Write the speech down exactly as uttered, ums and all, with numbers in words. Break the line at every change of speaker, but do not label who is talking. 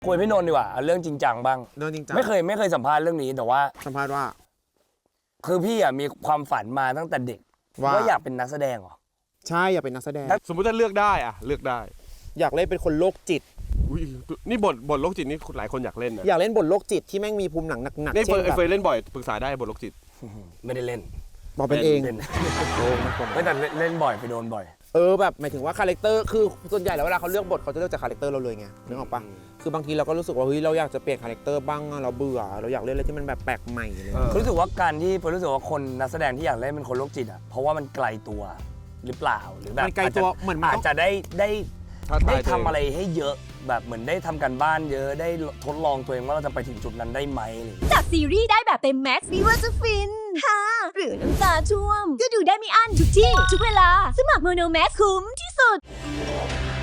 คุยพี่นนท์ดีกว่าเรื่องจริงจังบ้าง
เรื่องจริงจัง
ไม่เคยไม่เคยสัมภาษณ์เรื่องนี้แต่ว่า
สัมภาษณ์ว่า
คือพี่อ่ะมีความฝันมาตั้งแต่เด็กว่าอยากเป็นนักแสดงเหรอ
ใช่อยากเป็นนักแสดง
สมมติถ้าเลือกได้อะเลือกได้
อยากเล่นเป็นคนโรคจิต
นี่บทบทโรคจิตนี่หลายคนอยากเล่นนะ
อยากเล่นบทโรคจิตที่แม่งมีภูมิหนังหนักๆ
นี่เฟยเล่นบ่อยปรึกษาได้บทโรคจิต
ไม่ได้เล่น
บอกเป็นเอง
ไม่แต่เล่นบ่อยไปโดนบ่อย
เออแบบหมายถึงว่าคาแรคเตอร์คือส่วนใหญ่แล้วเวลาเขาเลือกบทเขาจะเลือกจากคาแรคเตอร์เราเลยไงนึกออกปะคือบางทีเราก็รู้สึกว่าเฮ้ยเราอยากจะเปลี่ยนคาแรคเตอร์บ้างเราเบื่อเราอยากเล่นอะไรที่มันแบบแปลกใหม่เลย
รู้สึกว่าการที่ผมรู้สึกว่าคนนักแสดงที่อยากเล่นเป็นคนโรคจิตอ่ะเพราะว่ามันไกลตัวหรือเปล่าหรือแบบ
ไกลตัวเหมือน
อาจจะได้ได้ได้ทำอะไรให้เยอะแบบเหมือนได้ทำกันบ้านเยอะได้ทดลองตัวเองว่าเราจะไปถึงจุดนั้นได้ไหม
จากซีรีส์ได้แบบเต็มแม็กซ์ไม่ว่าจะฟินฮ่าหรือน้ำตาท่วมก็ดูได้ไม่อั้นทุกที่ทุกเวลาสมัครโมโนแม็กคุ้มที่สุด